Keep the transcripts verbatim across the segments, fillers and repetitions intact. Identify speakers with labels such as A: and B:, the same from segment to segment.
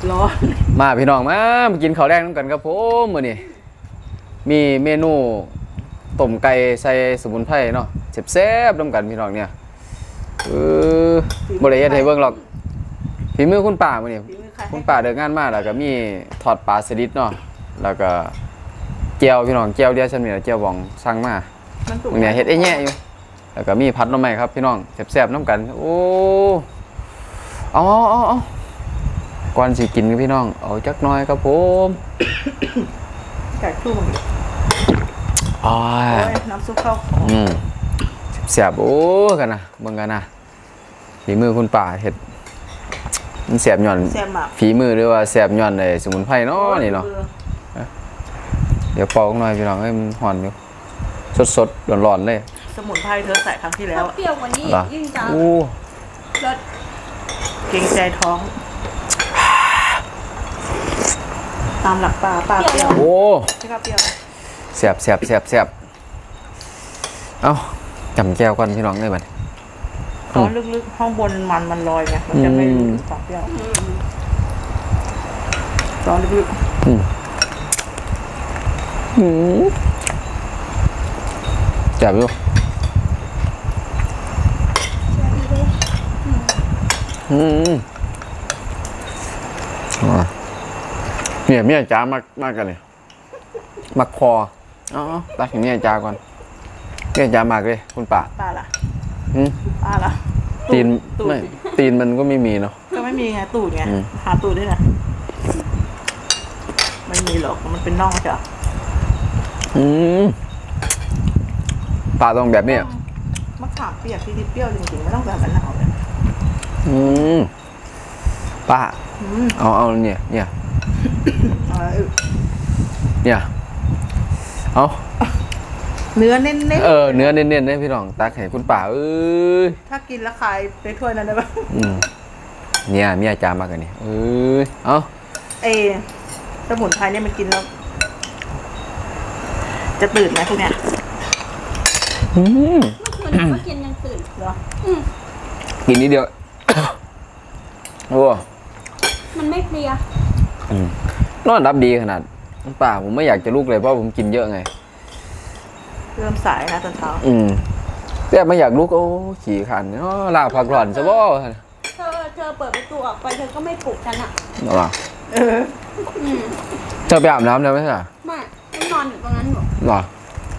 A: ร้อน
B: มาพี่น้องมามากินข้าวแดงน้ำกันครับผมมื้อนี้มีเมนูต้มไก่ใส่สมุนไพรเนาะแซ่บๆน้ำกันพี่น้องเนี่ยเออบ่ได้เฮ็ดให้เบิ่งหรอกฝีมือคุณป้ามื้อนี้คุณป้าเดินงานมาแล้วก็มีทอดปลาสลิดเนาะแล้วก็แจ่วพี่น้องแจ่วเดียวฉันนี่แจ่วบองสั่งมามื้อนี้เฮ็ดไอ้แย่อยู่แล้วก็มีผัดหน่อไม้ครับพี่น้องแซ่บๆน้ำกันโอ้อ๋อๆก่อนสิกินพี่น้องเอาจักหน่อยครับผม
A: ไก่ตู้มัน
B: อ๋อ
A: น้ำซุปเข้า
B: อืมแซ่บโอ้กันนะเบิ่งกันนะฝีมือคุณป้าเฮ็ดมันแซ่บย่อนฝีมือหรือว่าแซ่บย่อนไอ้สมุนไพรเนาะนี่เนาะเดี๋ยวปอกหน่อยพี่น้องให้มันหอนอยู่สดๆร้อนๆเลย
A: สมุนไพรเธอใส่ครั้งที่แล้ว
C: เปรี้ยวกว่านี้ยิ่งจัง
B: โอ้
C: รส
A: เกรงใจท้องตามหลักปลาปลาเปรี้ยว
B: โอ้
A: ใช่ปลาเปรี้ยว
B: แซ่บแซ่บแซ่บแซ่บเอ้าจำแก้วก่อนพี่น้องได้บัด
A: ตอนลึกๆห้องบนมันมันลอยไงมันจะไม่ปลาเปรี้ยวตอนลึกๆ
B: อืมอืมแซ่บอยู่อืมอ่าเนี่ยเมียจ้ามากมากกันเลยมักคออ๋อตักอย่างเมียจ้าก่อนเมียจ้ามากเลยคุณป่า
A: ป่าล่ะ
B: อืม
A: ป่าล่ะ
B: ตีนไม่ตีนมันก็ไม่มีเนาะ
A: ก็ไม่มีไงตูดไงหาตูดด้วยนะไม่มีหรอกมันเป็นน่องจ้ะ
B: อืมป่าต้องแบบนี้
A: มะขามเปียกที่เปรี้ยวจริงๆไม่ต้องแบบมะนาวเลย
B: อืมป้าเอาเอาเนี่ยเนี่ยเนี่ยเอา
A: เนื้อเน้นๆ
B: เออเนื้อเน้นๆเนี่ยพี่น้องตักให้คุณป่าเอ้ย
A: ถ้ากินแล้วคายในถ้วยนั้นได้ปะ
B: อืมเนี่ยเมียจามากกันนี่เอ้ยเอา
A: เอสมุนไพรเนี่ยมันกินแล้วจะตื่นไหมพวกเนี้ย
B: อืม
C: เมื่อคืนก็กินยังตื่น
A: เหรอ
B: กินนิดเดียวโอ้
C: มันไม่เพลีย
B: นอนรับดีขนาดป่าผมไม่อยากจะลุกเลยเพราะผมกินเยอะไง
A: เริ่มสายนะตอนเช้า
B: อืมแต่ไม่อยากลุกโอ้ขี่ขันเนาะลาพักหล่อนซะบ่
C: เธอเธอเปิดประตูออกไปเธอก็ไม่ปลุกฉันอ่ะ
B: หรอ
A: เออ
B: เธอไปอาบน้ำแล้วไหมล่ะ
C: ไม่ต้องนอนอยู่ตรงนั้นหรอ
B: หรอ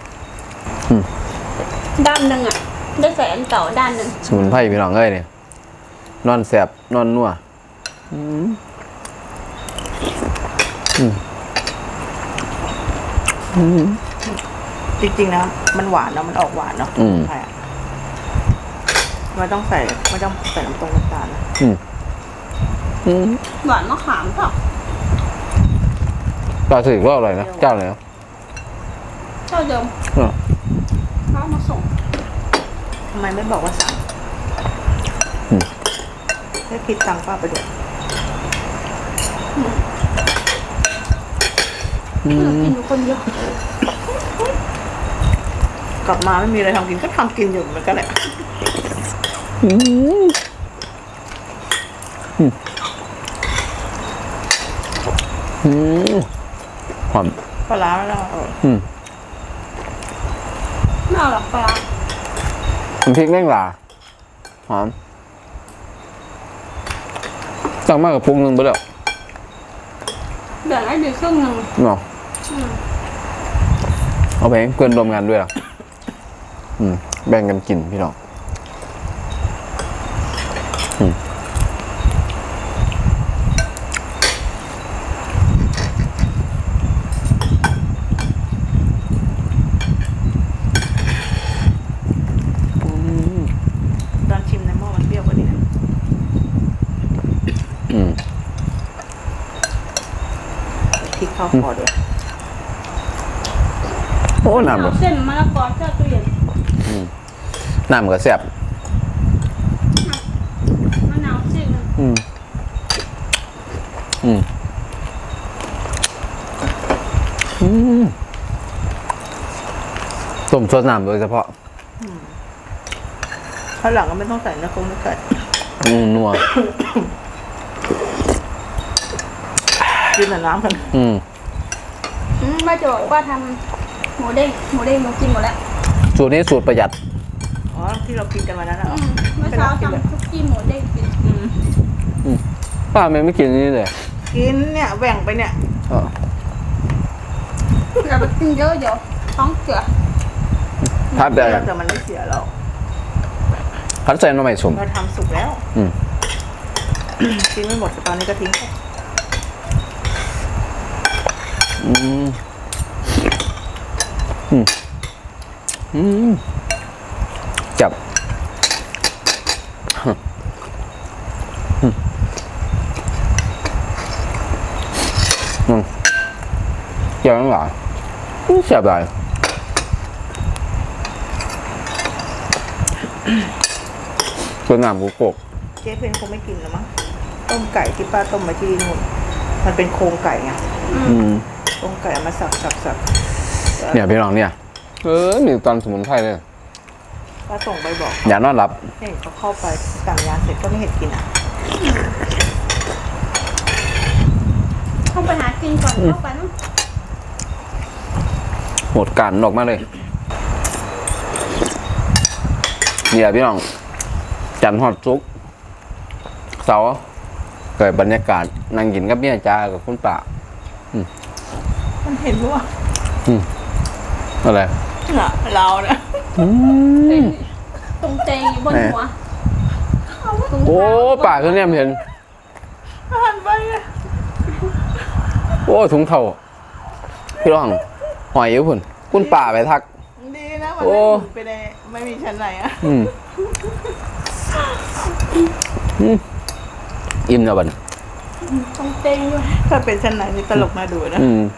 C: ด้านหนึ่งอ่ะได้ใส่อันเก่าด้านหนึ่ง
B: สมุนไพรพี่น้องเอ้ยเนี่ยนอนแสบนอนนัวอืมอืมอืม
A: จริงๆนะมันหวานเนาะมันออกหวานเนาะใช่ไม่ต้องใส่ไม่ต้องใส่น้ำตรงน้ำตาลนะ
B: อืมอืม
C: หวานมะขามเปล่า
B: ปลาสลิดก็อร่อยนะเจ้าไหน
C: เจ้าเดิมเขามาส่ง
A: ทำไมไม่บอกว่าสั่งแค่คิดตังค์ป้าไปเดี๋ยว
C: กินอยู่คนเดียว
A: กลับมาไม่มีอะไรทำกินก็ทำกินอยู่เหมือนกันแหละ
B: อืมอืมหอม
A: ปลาร้าแล้ว
B: อืม
C: ไม่เอาหรอกปลา
B: น้ำพริกแม่งหล่าหอมสั่งมากกับปรุงนึงไปแล้ว
C: เดี๋ยวให้ดีครึ่งนึง
B: เนาะเอาไปเพื่อนรวมงานด้วยอ่ะอืมแบ่งกันกินพี่น้องอืม
A: ตอนชิมในหม้อมันเปรี้ยวกว่านี้นะ
B: อืม
A: พริกเข้าคอด้วย
B: โอ้น้ำแบบ
C: เส้นมะละกอแช่ตู้เย็น
B: น้ำก็แซ่บ
C: มะนาวซิ่ง
B: อืมอืมอืมต้มซอสน้ำโดยเฉพาะ
A: ข้างหลังก็ไม่ต้องใส่เนื้อโครงเนื้อไก่
B: อืมนัว
A: กินแต่น้ำกัน
B: อืม
C: อืมป้าจะบอกว่าทำหมูเด้งหมูเด้งหนูกินหมดแล้ว
B: สูตรนี้สูตรประหยัด
A: อ๋อที่เรากินกันวันนั้นอ่ะ
C: อืมเมื่อเช้าทำคุกกี้หมูเด้งกิน
A: อืม
B: ป้าไม่ไม่กินนี่เลย
A: กินเนี่ยแบ่งไปเนี่ย
B: อ๋อ
C: อย่าไปกินเยอะเดี๋ยวท้องเสีย
B: พัดแต่
A: แต่มันไม่เสียหรอก
B: พัดใส่หน้ำใหม่สม
A: เราทำสุกแล้ว
B: อืม
A: กินไม่หมดแต่ตอนนี้ก็ทิ้งไป
B: อืมอืมอืมจับอืมอืมเจ้าหลังอืมแซ่บหลายตัวน้ำกูโกก
A: เจ๊เพนคงไม่กินแล้วมั้งต้มไก่ที่ป้าต้มมาที่นู่นมันเป็นโครงไก่ไง
B: อืม
A: โครงไก่เอามาสับสับสับ
B: เนี่ยพี่น้องเนี่ย เออมีตอนสมุนไพรเลย
A: ป้าส่งไปบอก
B: อย่านอนหลับ
A: เห็นเขาเข้าไปสั่งยาเสร็จก็ไม่เห็นกินอ่ะ
C: เข้าไปหากินก่อนเข้าไปนู้น
B: หมดการออกมาเลย เนี่ยพี่น้อง จันทร์ฮอดซุกร์เสาร์เกิดบรรยากาศนั่งกินกับเมียจ้ากับคุณป่า
A: มันเห็นว่า
B: อะไร
A: น่ะเราเนี่ย
C: ตรงเตงอยู่บนหัวตรง
B: โอ้
C: เท้า
B: ป่าคือเนี่ยเห็น
A: หันไปไง
B: โอ้ถุงเท่าพี่น้องหอยอยู่พุ่นคุณป่าไปทัก
A: ดีนะมัน
B: โอ้
A: ไม่หมุนไปในไม่มีชั้นไหนอ่ะ
B: อืมอืมอิ่มแล้วบัดน
C: ตรงเตงอยู่
A: ถ้าเป็นชั้นไหนนี่ตลกน่าดูนะ
B: อืม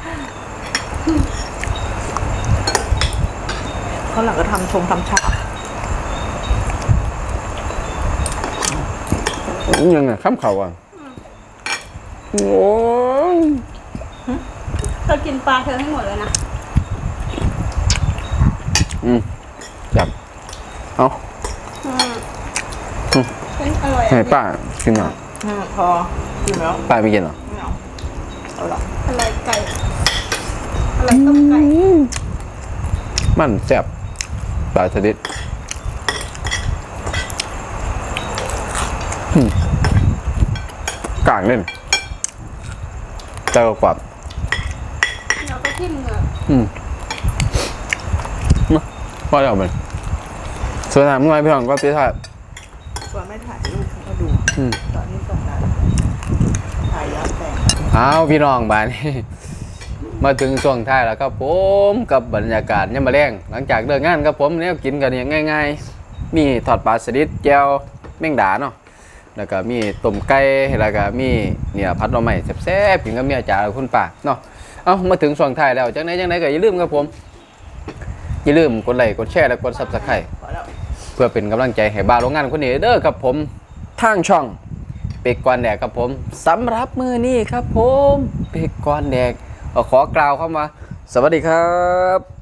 A: เขาหลังก็ทำชงทำฉาก
B: ยังไงข้ามเขาอ่ะโอ้ย
C: เธอกินปลาเธอให้หมดเลยนะ
B: อืมจับเอา
C: อืมเป็นอร่อย
B: ให้ป้ากินหน่อย
A: อืมพอกินแล้ว
B: ป้าไม่กินเหรอ
A: ไม่เอาเอาหรอก
C: อร่อยไก่อร่อยต้มไก่
B: มันแซ่บปลาสลิดอืมกลางเล่นเจ้ากว่า
C: เราก็ทิ่มเหงือก
B: อืมมาว่าจะเอาไปสวยงามเมื่อไงพี่น้องก็พี่ท่า
A: ว่าไม่ถ่ายรูปก็ดู
B: อืม
A: ตอนนี้ส่งได้ถ่ายย้อนแสง
B: อ้าวพี่น้องบ้านนี้ มาถึงช่วงท้ายแล้วครับผมกับบรรยากาศยามมื้อแลงหลังจากเลิกงานครับผมเนี่ยกินกันอย่างง่ายๆ มีทอดปลาสลิดแจ่วแมงดาเนาะแล้วก็มีต้มไก่แล้วก็มีเนี่ยผัดหน่อไม้แซ่บๆกินกับเมียจ๋ากับคุณป้าเนาะเอ้ามาถึงช่วงท้ายแล้วจังไหนจังไหนก็อย่าลืมครับผมอย่าลืมกดไลค์กดแชร์และกด ซับสไครบ์
A: พอแล้ว
B: เพื่อเป็นกำลังใจให้บ้านโรงงานคนนี้เด้อครับผมทางช่องเป็กกวนแดกครับผมสำหรับมือนี้ครับผมเป็กกวนแดกก็ขอกล่าวคำว่าสวัสดีครับ